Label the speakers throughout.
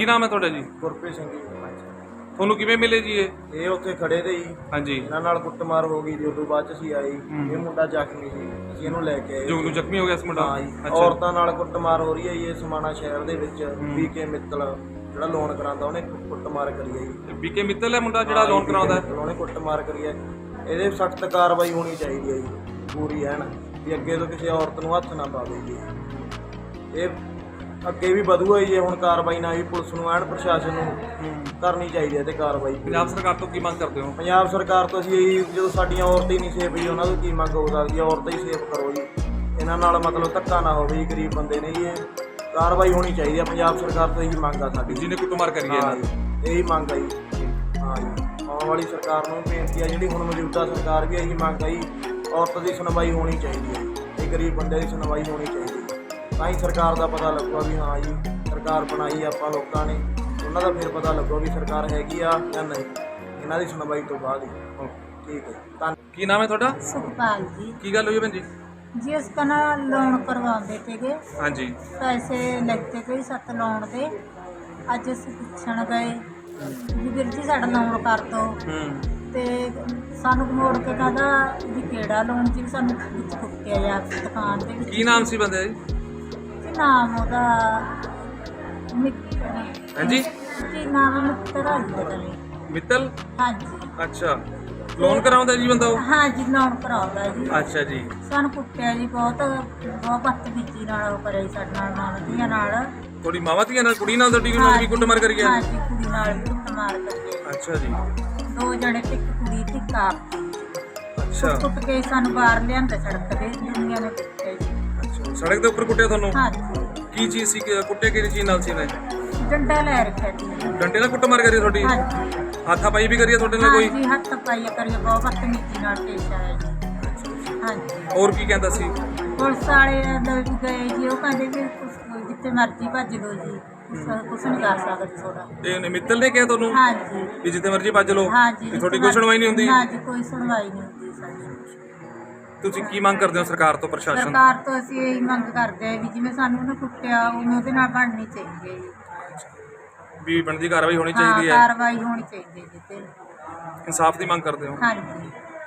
Speaker 1: ਕੀ ਨਾਮ ਹੈ ਤੁਹਾਡਾ ਜੀ?
Speaker 2: ਗੁਰਪ੍ਰੀਤ ਸਿੰਘ ਜੀ।
Speaker 1: ਤੁਹਾਨੂੰ ਕਿਵੇਂ ਮਿਲੇ ਜੀ
Speaker 2: ਇਹ ਉੱਥੇ ਖੜੇ ਤੇ ਜੀ,
Speaker 1: ਹਾਂਜੀ
Speaker 2: ਇਹਨਾਂ ਨਾਲ ਕੁੱਟਮਾਰ ਹੋ ਗਈ ਜੀ। ਉਦੋਂ ਬਾਅਦ ਚ ਅਸੀਂ ਆਏ ਇਹ ਮੁੰਡਾ ਜ਼ਖਮੀ ਸੀ, ਅਸੀਂ ਇਹਨੂੰ ਲੈ ਕੇ ਆਏ।
Speaker 1: ਜੋ ਨੂੰ ਜ਼ਖਮੀ ਹੋ ਗਿਆ ਇਸ ਮੁੰਡਾ?
Speaker 2: ਹਾਂ ਜੀ, ਔਰਤਾਂ ਨਾਲ ਕੁੱਟਮਾਰ ਹੋ ਰਹੀ ਹੈ ਜੀ ਇਹ ਸਮਾਣਾ ਸ਼ਹਿਰ ਦੇ ਵਿੱਚ। ਬੀਕੇ ਮਿੱਤਲ ਜਿਹੜਾ ਲੋਨ ਕਰਾਉਂਦਾ ਉਹਨੇ ਕੁੱਟਮਾਰ ਕਰੀ ਹੈ ਜੀ।
Speaker 1: ਬੀਕੇ ਮਿੱਤਲ ਹੈ ਮੁੰਡਾ ਜਿਹੜਾ ਲੋਨ ਕਰਾਉਂਦਾ ਹੈ?
Speaker 2: ਉਹਨੇ ਕੁੱਟਮਾਰ ਕਰੀ ਹੈ। ਇਹਦੇ ਸਖਤ ਕਾਰਵਾਈ ਹੋਣੀ ਚਾਹੀਦੀ ਹੈ ਜੀ, ਪੂਰੀ ਐਨ, ਵੀ ਅੱਗੇ ਤੋਂ ਕਿਸੇ ਔਰਤ ਨੂੰ ਹੱਥ ਨਾ ਪਾਵੇ ਜੀ। ਇਹ ਅੱਗੇ ਵੀ ਵਧੂਗਾ ਜੀ ਹੁਣ ਕਾਰਵਾਈ ਨਾ ਵੀ ਪੁਲਿਸ ਨੂੰ ਐਨ ਪ੍ਰਸ਼ਾਸਨ ਨੂੰ ਕਰਨੀ ਚਾਹੀਦੀ ਹੈ ਤੇ ਕਾਰਵਾਈ।
Speaker 1: ਪੰਜਾਬ ਸਰਕਾਰ ਤੋਂ ਕੀ ਮੰਗ ਕਰਦੇ ਹੋ?
Speaker 2: ਪੰਜਾਬ ਸਰਕਾਰ ਤੋਂ ਅਸੀਂ ਇਹੀ, ਜਦੋਂ ਸਾਡੀਆਂ ਔਰਤਾਂ ਹੀ ਨਹੀਂ ਸੇਫ ਜੀ ਉਹਨਾਂ ਤੋਂ ਕੀ ਮੰਗ ਹੋ ਸਕਦੀ ਹੈ? ਔਰਤਾਂ ਹੀ ਸੇਫ ਕਰੋ ਜੀ, ਇਹਨਾਂ ਨਾਲ ਮਤਲਬ ਧੱਕਾ ਨਾ ਹੋਵੇ ਜੀ। ਗਰੀਬ ਬੰਦੇ ਨੇ ਜੀ, ਇਹ ਕਾਰਵਾਈ ਹੋਣੀ ਚਾਹੀਦੀ ਹੈ। ਪੰਜਾਬ ਸਰਕਾਰ ਤੋਂ ਇਹੀ ਮੰਗ ਆ ਸਾਡੀ,
Speaker 1: ਜਿਹਨੇ ਕੁੱਟਮਾਰ ਕਰੀ ਹੈ
Speaker 2: ਹਾਂ ਜੀ, ਇਹੀ ਮੰਗ ਆ ਜੀ। ਹਾਂ ਜੀ, ਆਉਣ ਵਾਲੀ ਸਰਕਾਰ ਨੂੰ ਬੇਨਤੀ ਆ, ਜਿਹੜੀ ਹੁਣ ਮੌਜੂਦਾ ਸਰਕਾਰ ਵੀ ਇਹੀ ਮੰਗ ਆ ਜੀ, ਔਰਤ ਦੀ ਸੁਣਵਾਈ ਹੋਣੀ ਚਾਹੀਦੀ ਹੈ ਤੇ ਗਰੀਬ ਬੰਦੇ ਦੀ ਸੁਣਵਾਈ ਹੋਣੀ ਚਾਹੀਦੀ ਹੈ। ਤਾਂ ਹੀ ਸਰਕਾਰ ਦਾ ਪਤਾ ਲੱਗੂਗਾ ਵੀ ਹਾਂ ਜੀ ਸਰਕਾਰ ਬਣਾਈ ਆਪਾਂ ਲੋਕਾਂ ਨੇ, ਉਹਨਾਂ ਦਾ ਫਿਰ ਪਤਾ ਲੱਗੂਗਾ ਵੀ ਸਰਕਾਰ ਹੈਗੀ ਆ ਜਾਂ ਨਹੀਂ, ਇਹਨਾਂ ਦੀ ਸੁਣਵਾਈ ਤੋਂ ਬਾਅਦ ਹੀ। ਠੀਕ ਹੈ, ਧੰਨਵਾਦ।
Speaker 1: ਕੀ ਨਾਮ ਹੈ ਤੁਹਾਡਾ?
Speaker 3: ਸੁਖਪਾਲ ਜੀ।
Speaker 1: ਕੀ ਗੱਲ ਹੋਈ ਭੈਣ ਜੀ?
Speaker 3: ਜੀ ਉਸ ਕਾ ਨਾ ਲੋਨ ਕਰਵਾਉਂਦੇ ਤੇਗੇ,
Speaker 1: ਹਾਂਜੀ
Speaker 3: ਪੈਸੇ ਲੱਗਦੇ ਕੋਈ 7 ਲੋਨ ਦੇ। ਅੱਜ ਅਸੀਂ ਪੁੱਛਣ ਗਏ ਵੀ ਵੀਰ ਜੀ ਸਾਡਾ ਲੋਨ ਕਰ ਦੋ, ਤੇ ਸਾਨੂੰ ਮੋੜ ਕੇ ਕਹਿੰਦਾ ਵੀ ਕਿਹੜਾ ਲੋਨ ਜੀ, ਸਾਨੂੰ ਵਿੱਚ ਕੁੱਟਿਆ ਜਾ ਦੁਕਾਨ ਦੇ ਵਿੱਚ।
Speaker 1: ਕੀ ਨਾਮ ਸੀ ਬੰਦੇ ਦਾ ਜੀ?
Speaker 3: ਕੀ ਨਾਮ ਉਹਦਾ?
Speaker 1: ਹਾਂਜੀ
Speaker 3: ਕੀ ਨਾਮ ਮਿੱਤਰ ਜੀ?
Speaker 1: ਮਿੱਤਲ?
Speaker 3: ਹਾਂਜੀ
Speaker 1: ਅੱਛਾ, ਲੋਨ ਕਰਾਉਂਦਾ ਜੀ ਬੰਦਾ ਉਹ?
Speaker 3: ਹਾਂ ਜੀ, ਲੋਨ ਕਰਾਉਂਦਾ ਜੀ।
Speaker 1: ਅੱਛਾ ਜੀ।
Speaker 3: ਸਾਨੂੰ ਕੁੱਟਿਆ ਜੀ, ਬਹੁਤ ਬਦਤਮੀਜ਼ੀ ਨਾਲ ਉਹ ਕਰਿਆ ਜੀ ਸਾਡੇ ਨਾਲ, ਮਾਵਾਂ ਨਾਲ।
Speaker 1: ਤੁਹਾਡੀ ਮਾਵਾਂ ਧੀਆਂ ਨਾਲ, ਕੁੜੀ ਨਾਲ ਤੁਹਾਡੀ ਨਾਲ ਵੀ ਕੁੱਟਮਾਰ ਕਰੀ ਹੈ?
Speaker 3: ਹਾਂ ਜੀ, ਕੁੜੀ ਨਾਲ ਵੀ ਕੁੱਟਮਾਰ ਕਰੀ ਹੈ।
Speaker 1: ਅੱਛਾ ਜੀ।
Speaker 3: 2 ਜਣੇ, ਇੱਕ ਕੁੜੀ ਤੇ ਇੱਕ ਆਪ।
Speaker 1: ਅੱਛਾ
Speaker 3: ਕੁੱਟ ਕੇ ਸਾਨੂੰ ਬਾਹਰ ਲਿਆਂਦਾ ਸੜਕ ਤੇ, ਦੁਨੀਆ ਨੇ ਕੁੱਟਿਆ ਜੀ।
Speaker 1: ਅੱਛਾ, ਸੜਕ ਦੇ ਉੱਪਰ ਕੁੱਟਿਆ ਤੁਹਾਨੂੰ?
Speaker 3: ਹਾਂ ਜੀ।
Speaker 1: ਕੀ ਚੀਜ਼ ਸੀ? ਕੁੱਟੇ ਕਿਹੜੀ ਚੀਜ਼ ਨਾਲ ਸੀ ਇਹਨੇ?
Speaker 3: ਡੰਡਾ ਲੈ ਰੱਖਿਆ ਜੀ।
Speaker 1: ਡੰਡੇ ਨਾਲ ਕੁੱਟਮਾਰ ਕਰੀ ਤੁਹਾਡੀ?
Speaker 3: ਹਾਂ ਜੀ।
Speaker 1: ਹੱਥਾਪਾਈ ਵੀ ਕਰੀ ਹੈ ਤੁਹਾਡੇ ਨਾਲ ਕੋਈ?
Speaker 3: ਹਾਂ ਜੀ, ਹੱਥ ਪਾਈ ਕਰੀਏ, ਬਹੁਤ ਬਦਤਮੀਜ਼ੀ ਨਾਲ ਪੇਸ਼ ਆਇਆ ਜੀ। ਹਾਂ ਜੀ।
Speaker 1: ਹੋਰ ਕੀ ਕਹਿੰਦਾ ਸੀ?
Speaker 3: ਪੁਲਿਸ ਵਾਲੇ ਅੰਦਰ ਵੀ ਗਏ ਜੀ, ਉਹ ਕਹਿੰਦੇ ਵੀ ਜਿੱਥੇ ਮਰਜ਼ੀ ਭੱਜ ਲਓ ਜੀ, ਕੁਛ ਨਹੀਂ ਕਰ ਸਕਦੇ ਤੁਹਾਡਾ।
Speaker 1: ਤੇ ਮਿੱਤਲ ਨੇ ਕਿਹਾ ਤੁਹਾਨੂੰ
Speaker 3: ਹਾਂ ਜੀ
Speaker 1: ਵੀ ਜਿੱਥੇ ਮਰਜ਼ੀ ਭੱਜ ਲਓ?
Speaker 3: ਹਾਂ ਜੀ।
Speaker 1: ਵੀ ਤੁਹਾਡੀ ਕੋਈ ਸੁਣਵਾਈ ਨਹੀਂ ਹੁੰਦੀ?
Speaker 3: ਹਾਂ ਜੀ, ਕੋਈ ਸੁਣਵਾਈ ਨਹੀਂ ਹੁੰਦੀ ਸਾਡੀ।
Speaker 1: ਤੁਸੀਂ ਕੀ ਮੰਗ ਕਰਦੇ ਹੋ ਸਰਕਾਰ ਤੋਂ, ਪ੍ਰਸ਼ਾਸਨ ਤੋਂ?
Speaker 3: ਸਰਕਾਰ ਤੋਂ ਅਸੀਂ ਇਹੀ ਮੰਗ ਕਰਦੇ ਹਾਂ ਵੀ ਜਿਵੇਂ ਸਾਨੂੰ ਉਹਨੇ ਕੁੱਟਿਆ ਉਵੇਂ ਉਹਦੇ ਨਾਲ ਬਣਨੀ ਚਾਹੀਦੀ ਹੈ ਜੀ।
Speaker 1: ਵੀ ਬਣਦੀ ਕਾਰਵਾਈ ਹੋਣੀ
Speaker 3: ਹਾਂ,
Speaker 1: ਚਾਹੀਦੀ ਹੈ,
Speaker 3: ਕਾਰਵਾਈ ਹੋਣੀ ਚਾਹੀਦੀ ਹੈ ਜੀ ਤੇ।
Speaker 1: ਇਨਸਾਫ ਦੀ ਮੰਗ ਕਰਦੇ ਹੋ?
Speaker 3: ਹਾਂ ਜੀ।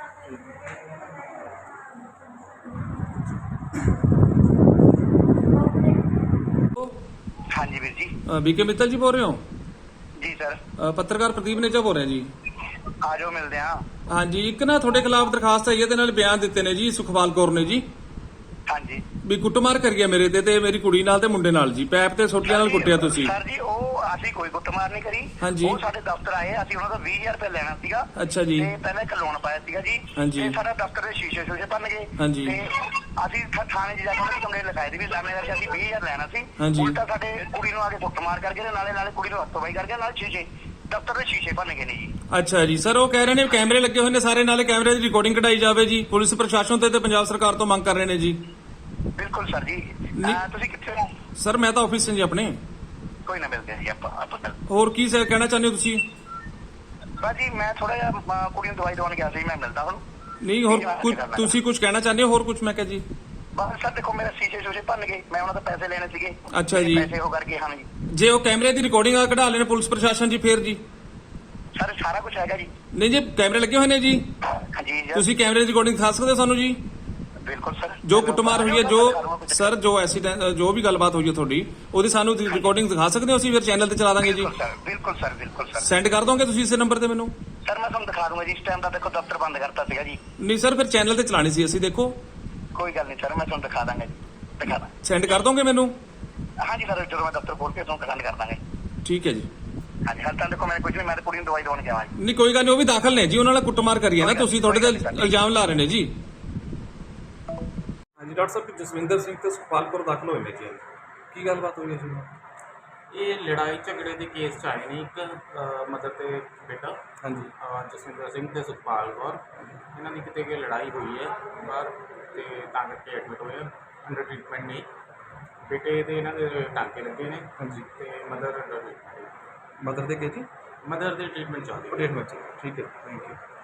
Speaker 4: हाँ जी वीर जी।
Speaker 1: बीके मित्तल जी बोल रहे हो?
Speaker 4: जी सर।
Speaker 1: ਪੱਤਰਕਾਰ ਪ੍ਰਦੀਪ ਨੇਜਾ ਬੋਲ ਰਿਹਾ ਜੀ।
Speaker 4: आ जाओ मिलते हैं।
Speaker 1: ਹਾਂਜੀ, ਇੱਕ ਨਾ ਤੁਹਾਡੇ ਖਿਲਾਫ ਦਰਖਾਸਤ ਆਈ ਹੈ ਤੇ ਨਾਲ ਬਿਆਨ ਦਿੱਤੇ ਨੇ ਜੀ ਸੁਖਪਾਲ ਕੌਰ ਨੇ ਜੀ,
Speaker 4: हाँ जी
Speaker 1: ਵੀ ਕੁੱਟਮਾਰ ਕਰੀ ਹੈ ਮੇਰੇ ਤੇ ਮੇਰੀ ਕੁੜੀ ਨਾਲ ਤੇ ਮੁੰਡੇ ਨਾਲ ਜੀ, ਪੈਪ ਤੇ ਸੋਟੀਆਂ ਨਾਲ ਕੁੱਟਿਆ ਤੁਸੀਂ।
Speaker 4: सर जी ਉਹ ਅਸੀਂ ਕੋਈ ਕੁੱਟਮਾਰ ਨਹੀਂ ਕਰੀ।
Speaker 1: हाँ जी।
Speaker 4: ਉਹ ਸਾਡੇ ਦਫ਼ਤਰ ਆਏ, ਅਸੀਂ ਉਹਨਾਂ ਤੋਂ 20000 ਰੁਪਏ ਲੈਣਾ ਸੀਗਾ।
Speaker 1: ਅੱਛਾ ਜੀ।
Speaker 4: ਤੇ ਪਹਿਲਾਂ ਇੱਕ ਲੋਨ ਪਾਇਆ ਸੀਗਾ ਜੀ।
Speaker 1: हाँ जी।
Speaker 4: ਤੇ ਸਾਡਾ ਦਫ਼ਤਰ ਦੇ ਸ਼ੀਸ਼ੇ ਭੰਨ ਗਏ।
Speaker 1: हाँ जी।
Speaker 4: ਤੇ ਅਸੀਂ ਥਾਣੇ 'ਚ ਜਾ ਕੇ ਉਹਨਾਂ ਨੂੰ ਕੰਪਲੇਂਟ ਲਿਖਾਈ ਦੀ ਵੀ ਲਾਣੇ ਕਰਕੇ ਅਸੀਂ 20000 ਲੈਣਾ ਸੀ।
Speaker 1: हाँ जी।
Speaker 4: ਉਲਟਾ ਸਾਡੇ ਕੁੜੀ ਨੂੰ ਆ ਕੇ ਕੁੱਟਮਾਰ ਕਰਕੇ ਤੇ ਨਾਲੇ ਕੁੜੀ ਨੂੰ ਹੱਥੋਂ ਬਾਈ ਕਰਕੇ ਨਾਲ ਸ਼ੀਸ਼ੇ ਦਫ਼ਤਰ ਦੇ ਸ਼ੀਸ਼ੇ ਭੰਨ ਗਏ ਨੇ ਜੀ।
Speaker 1: ਅੱਛਾ ਜੀ ਸਰ, ਉਹ ਕਹਿ ਰਹੇ ਨੇ ਕੈਮਰੇ ਲੱਗੇ ਹੋਏ ਨੇ ਸਾਰੇ, ਨਾਲੇ ਕੈਮਰੇ ਦੀ ਰਿਕਾਰਡਿੰਗ ਕਢਾਈ ਜਾਵੇ ਜੀ। ਪੁਲਿਸ ਪ੍ਰਸ਼ਾਸਨ ਤੇ ਪੰਜਾਬ ਸਰਕਾਰ ਤੋਂ ਮੰਗ ਕਰ ਰਹੇ ਨੇ ਜੀ।
Speaker 4: ਬਿਲਕੁਲ ਸਰ ਜੀ। ਤੁਸੀਂ ਕਿੱਥੇ ਹੋ?
Speaker 1: ਸਰ ਮੈਂ ਤਾਂ ਆਫਿਸ 'ਚ ਜੀ ਆਪਣੇ।
Speaker 4: ਕੋਈ ਨਾ ਮਿਲਦੇ ਹਾਂ ਜੀ ਆਪਾਂ।
Speaker 1: ਹੋਰ ਕੀ ਸਰ ਕਹਿਣਾ ਚਾਹੁੰਦੇ ਹੋ ਤੁਸੀਂ?
Speaker 4: ਬਸ ਜੀ ਮੈਂ ਥੋੜਾ ਜਿਹਾ ਕੁੜੀ ਨੂੰ ਦਵਾਈ ਦਵਾਉਣ ਗਿਆ ਸੀ, ਮੈਂ ਮਿਲਦਾ ਹੁਣ।
Speaker 1: ਨਹੀਂ ਹੋਰ ਕੁਝ ਤੁਸੀਂ ਕੁਝ ਕਹਿਣਾ ਚਾਹੁੰਦੇ ਹੋ? ਹੋਰ ਕੁਝ ਮੈਂ ਕਿਹਾ ਜੀ।
Speaker 4: ਬਸ ਸਰ ਦੇਖੋ ਮੇਰੇ ਸ਼ੀਸ਼ੇ ਭੰਨ ਗਏ, ਮੈਂ ਉਹਨਾਂ ਤੋਂ ਪੈਸੇ ਲੈਣੇ ਸੀਗੇ।
Speaker 1: ਅੱਛਾ ਜੀ।
Speaker 4: ਪੈਸੇ ਹੋ ਕਰਕੇ ਹਾਂ ਜੀ।
Speaker 1: ਜੇ ਉਹ ਕੈਮਰੇ ਦੀ ਰਿਕਾਰਡਿੰਗ ਆ ਕਢਾ ਲੈਣ ਪੁਲਿਸ ਪ੍ਰਸ਼ਾਸਨ ਜੀ, ਫੇਰ ਜੀ?
Speaker 4: ਸਰ ਸਾਰਾ ਕੁਝ ਹੈਗਾ ਜੀ।
Speaker 1: ਨਹੀਂ ਜੀ, ਕੈਮਰੇ ਲੱਗੇ ਹੋਏ ਨੇ ਜੀ,
Speaker 4: ਹਾਂਜੀ
Speaker 1: ਤੁਸੀਂ ਕੈਮਰੇ ਦੀ ਰਿਕਾਰਡਿੰਗ ਦਿਖਾ ਸਕਦੇ ਹੋ ਸਾਨੂੰ ਜੀ?
Speaker 4: ਬਿਲਕੁਲ ਸਰ।
Speaker 1: ਜੋ ਕੁੱਟਮਾਰ ਹੋਈ ਹੈ, ਜੋ ਸਰ ਜੋ ਐਕਸੀਡੈਂਟ ਜੋ ਵੀ ਗੱਲਬਾਤ ਹੋਈ ਹੈ ਤੁਹਾਡੀ, ਉਹਦੀ ਸਾਨੂੰ ਰਿਕਾਰਡਿੰਗ ਦਿਖਾ ਸਕਦੇ ਹੋ? ਅਸੀਂ ਫਿਰ ਚੈਨਲ ਤੇ ਚਲਾ ਦਾਂਗੇ ਜੀ।
Speaker 4: ਬਿਲਕੁਲ ਸਰ।
Speaker 1: ਸੈਂਡ ਕਰ ਦੋਗੇ ਤੁਸੀਂ ਇਸੇ ਨੰਬਰ ਤੇ ਮੈਨੂੰ?
Speaker 4: ਸਰ ਮੈਂ ਤੁਹਾਨੂੰ ਦਿਖਾ ਦੂੰਗਾ ਜੀ। ਇਸ ਟਾਈਮ ਦਾ ਦੇਖੋ ਦਫ਼ਤਰ ਬੰਦ ਕਰਤਾ ਸੀਗਾ ਜੀ।
Speaker 1: ਨਹੀਂ ਸਰ, ਫਿਰ ਚੈਨਲ ਤੇ ਚਲਾਣੀ ਸੀ ਅਸੀਂ, ਦੇਖੋ।
Speaker 4: ਕੋਈ ਗੱਲ ਨਹੀਂ ਸਰ, ਮੈਂ ਤੁਹਾਨੂੰ ਦਿਖਾ ਦਾਂਗਾ ਜੀ। ਦਿਖਾ ਦਾਂ।
Speaker 1: ਸੈਂਡ ਕਰ ਦੋਗੇ ਮੈਨੂੰ?
Speaker 4: ਹਾਂਜੀ ਸਰ, ਜਦੋਂ ਮੈਂ ਦਫ਼ਤਰ ਖੋਲ ਕੇ ਤੁਹਾਨੂੰ ਸੈਂਡ ਕਰ ਦਾਂਗੇ।
Speaker 1: ਠੀਕ ਹੈ ਜੀ।
Speaker 4: ਹਾਂਜੀ ਹਾਲ ਤਾਂ ਦੇਖੋ ਮੈਂ ਕੁਝ ਨਹੀਂ, ਮੈਂ ਕੁੜੀ ਨੂੰ ਦਵਾਈ ਦਵਾਉਣ ਗਿਆ ਜੀ।
Speaker 1: ਨਹੀਂ ਕੋਈ ਗੱਲ ਨਹੀਂ, ਉਹ ਵੀ ਦਾਖਲ ਨੇ ਜੀ, ਉਹਨਾਂ ਨਾਲ ਕੁੱਟਮਾਰ ਕਰੀ ਹੈ ਨਾ ਤੁਸੀਂ, ਤੁਹਾਡੇ ਤੇ ਇਲਜ਼ਾਮ ਲਾ ਰਹੇ ਨੇ ਜੀ। ਹਾਂਜੀ ਡਾਕਟਰ ਸਾਹਿਬ, ਜਸਵਿੰਦਰ ਸਿੰਘ ਤੇ ਸੁਖਪਾਲ ਕੌਰ ਦਾਖਲ ਹੋਏ ਨੇ ਜੀ। ਕੀ ਗੱਲਬਾਤ ਹੋਈ ਹੈ ਜੀ?
Speaker 5: ਇਹ ਲੜਾਈ ਝਗੜੇ ਦੇ ਕੇਸ 'ਚ ਆਏ ਨੇ, ਇੱਕ ਮਦਰ ਤੇ ਬੇਟਾ।
Speaker 1: ਹਾਂਜੀ।
Speaker 5: ਜਸਵਿੰਦਰ ਸਿੰਘ ਤੇ ਸੁਖਪਾਲ ਕੌਰ, ਇਹਨਾਂ ਦੀ ਕਿਤੇ ਕਿ ਲੜਾਈ ਹੋਈ ਹੈ ਬਾਹਰ, ਤੇ ਤਾਂ ਕਰਕੇ ਐਡਮਿਟ ਹੋਏ ਆ, ਅੰਡਰ ਟ੍ਰੀਟਮੈਂਟ ਨੇ। ਬੇਟੇ ਦੇ ਇਹਨਾਂ ਦੇ ਟਾਂਕੇ ਲੱਗੇ ਨੇ।
Speaker 1: ਹਾਂਜੀ।
Speaker 5: ਤੇ ਮਦਰ
Speaker 1: ਮਦਰ ਦੇ ਕੇ ਜੀ?
Speaker 5: ਮਦਰ ਦੇ ਟ੍ਰੀਟਮੈਂਟ ਚੱਲਦੀ ਹੈ।
Speaker 1: ਟ੍ਰੀਟਮੈਂਟ ਠੀਕ ਹੈ, ਥੈਂਕ ਯੂ।